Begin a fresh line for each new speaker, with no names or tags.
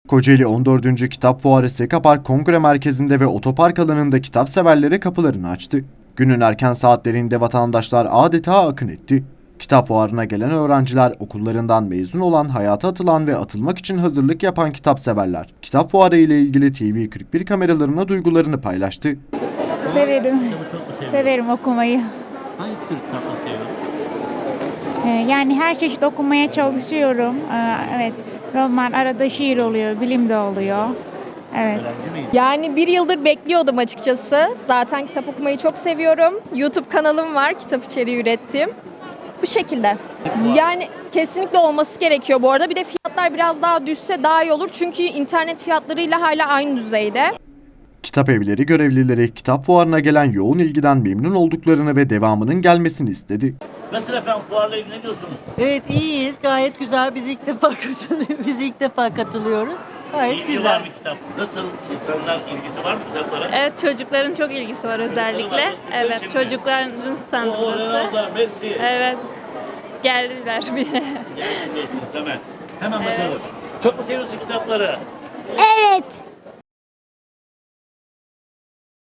Kocaeli 14. Kitap Fuarı Sekapark Kongre Merkezi'nde ve otopark alanında kitap severlere kapılarını açtı. Günün erken saatlerinde vatandaşlar adeta akın etti. Kitap fuarına gelen öğrenciler, okullarından mezun olan, hayata atılan ve atılmak için hazırlık yapan kitap severler, kitap fuarı ile ilgili TV41 kameralarına duygularını paylaştı.
Severim. Severim okumayı.
Hangi tür kitapları seviyorsun?
Yani her çeşit okumaya çalışıyorum. Evet, roman, arada şiir oluyor, bilim de oluyor. Evet.
Öğrenci miydin?
Yani bir yıldır bekliyordum açıkçası. Zaten kitap okumayı çok seviyorum. YouTube kanalım var, kitap içeriği ürettiğim. Bu şekilde. Yani kesinlikle olması gerekiyor bu arada. Bir de fiyatlar biraz daha düşse daha iyi olur. Çünkü internet fiyatlarıyla hala aynı düzeyde.
Kitap evleri görevlileri kitap fuarına gelen yoğun ilgiden memnun olduklarını ve devamının gelmesini istedi.
Nasıl efendim, fuarla ilgileniyorsunuz?
Evet, iyiyiz. Gayet güzel. Biz ilk defa katılıyoruz. Gayet
İlgi var
güzel.
mı kitap? Nasıl, insanlar ilgisi var mı kitaplara?
Evet, çocukların çok ilgisi var özellikle. Evet, çocukların standı burası.
Ronaldo, Messi.
Evet, geldiler bile.
Hemen bakalım. Çok mu seviyorsun kitapları?
Evet.